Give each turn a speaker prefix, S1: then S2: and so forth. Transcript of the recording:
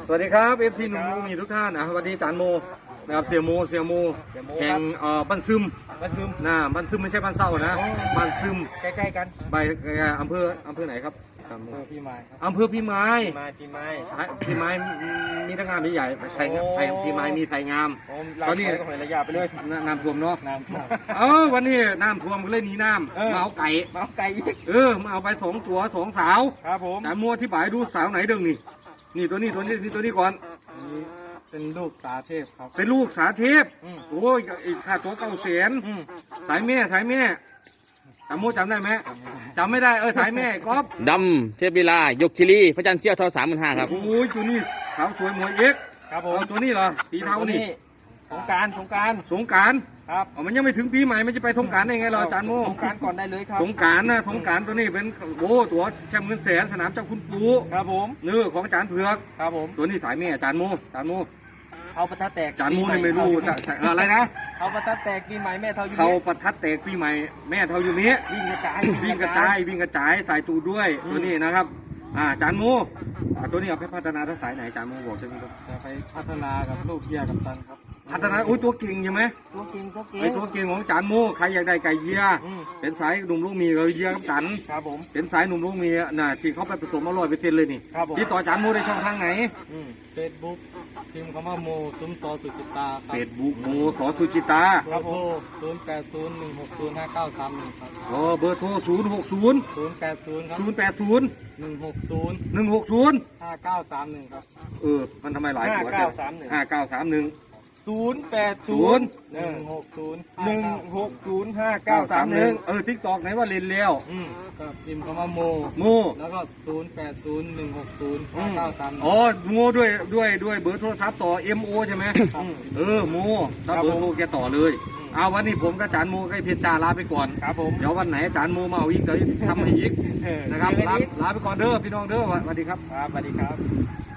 S1: สวัสดีครับเอฟซีหนุ่มมีทุกท่านสวัสดีจานโมนะครับเสียโมแห่งบ้านซึมนะบ้านซึมไม่ใช่บ้านเศร้านะบ้านซึม
S2: ใกล้ๆกัน
S1: ไปอำเภอไหนครับ
S2: พี่ไม้
S1: อำเภอพี่ไม้
S2: พี่ไม้
S1: มีทั้งงามมีใหญ่ไทยพี่ไม้มีไทยงาม
S2: ตอนนี้หอยระยะไปเลย
S1: น้ำท่วมเนาะ
S2: น้ำท่วม
S1: วันนี้น้ำท่วมก็เลยหนีน้ำมาเอาไก่มาเอาไป2 ตัว2 สาว
S2: ครับผม
S1: แต่มัวที่บ่ายดูสาวไหนดึงนี่ตัวนี้ก่อน
S2: เป็นลูกสาเทพครับ
S1: เป็นลูกสาเทพโอ้ยค่าตัว900,000สายแม่จำโมจำได้ไหมจำไม่ได้สายแม่ก๊อฟ
S3: ดำเทพลีลายกคิรีพระจันทร์เสี้ยวทอ35,000ครับ
S1: โอ้ยตัวนี้สาวสวยหมวยเอ็ก
S2: ครับผม
S1: ตัวนี้เหรอปีเท่านี่
S2: สงการ
S1: ครับมันยังไม่ถึงปีใหม่มันจะไปสงการได้ไงรออาจารย์โม
S2: สงการก่อนได้เลยครับ
S1: สงการตัวนี้เป็นตัวแชมป์เงินแสนสนามเจ้าคุณปู่
S2: ครับผม
S1: ของอาจารย์เผือก
S2: ครับผม
S1: ตัวนี้สายแม่อาจารย์โม
S2: เขาประทัดแตก
S1: จานมูนี่ไม่รู้อะไรนะ
S2: เขาประทัดแตกปีใหม่แม่เท่าอยู่
S1: เขาประทัดแตกปีใหม่แม่เท่าอยู่นี้
S2: วิ่งกระจาย
S1: ใส่ตูด้วยตัวนี้นะครับจานมูตัวนี้เอาไปพัฒนาทักษะไหนจานมูบอกใช่ไหมครับ
S2: จะไปพัฒนากับลูกเยียกับตันครับ
S1: พัฒนาตัวเก่งใช่ไหม
S2: ตัวเก่งตัว
S1: เก่งของจานมูใครอยากได้ไก่เยียเป็นสายหนุ่มลูกมีเยียกับตัน
S2: ครับผม
S1: เป็นสายหนุ่มลูกมีที่เขาไปผสม100%เลยนี่ที่ต่อจานมูได้ช่องทางไหน
S2: เฟซบุ๊กพิมพ์คำว่าโมซุ้มซอสุจิตา
S1: เฟซบุ๊กโมสอสุจิตา
S2: ครับผม0801605931ครับ
S1: เบอร์โทร080
S2: ครับ
S1: 160
S2: 5931ครับ
S1: มันทำไมหลายตัว5931
S2: 0801605931
S1: ติ๊กตอกไหนว่าเล่นแล้ว
S2: ก็พิมพ์คำว่าโมแล้วก็0801605931
S1: โมด้วยเบอร์โทรศัพท์ต่อ MO ใช่ไหมโมถ้าเบอร์โทรแกต่อเลยวันนี้ผมกับอาจารย์โมกับเพชรจ่าลาไปก่อน
S2: ครับผม
S1: เดี๋ยววันไหนอาจารย์โมมาเอาอีกเดี๋ยวทำให้อีกนะครับลาไปก่อนเด้อพี่น้องเด้อสวัสดีครับ
S2: สวัสดีครับ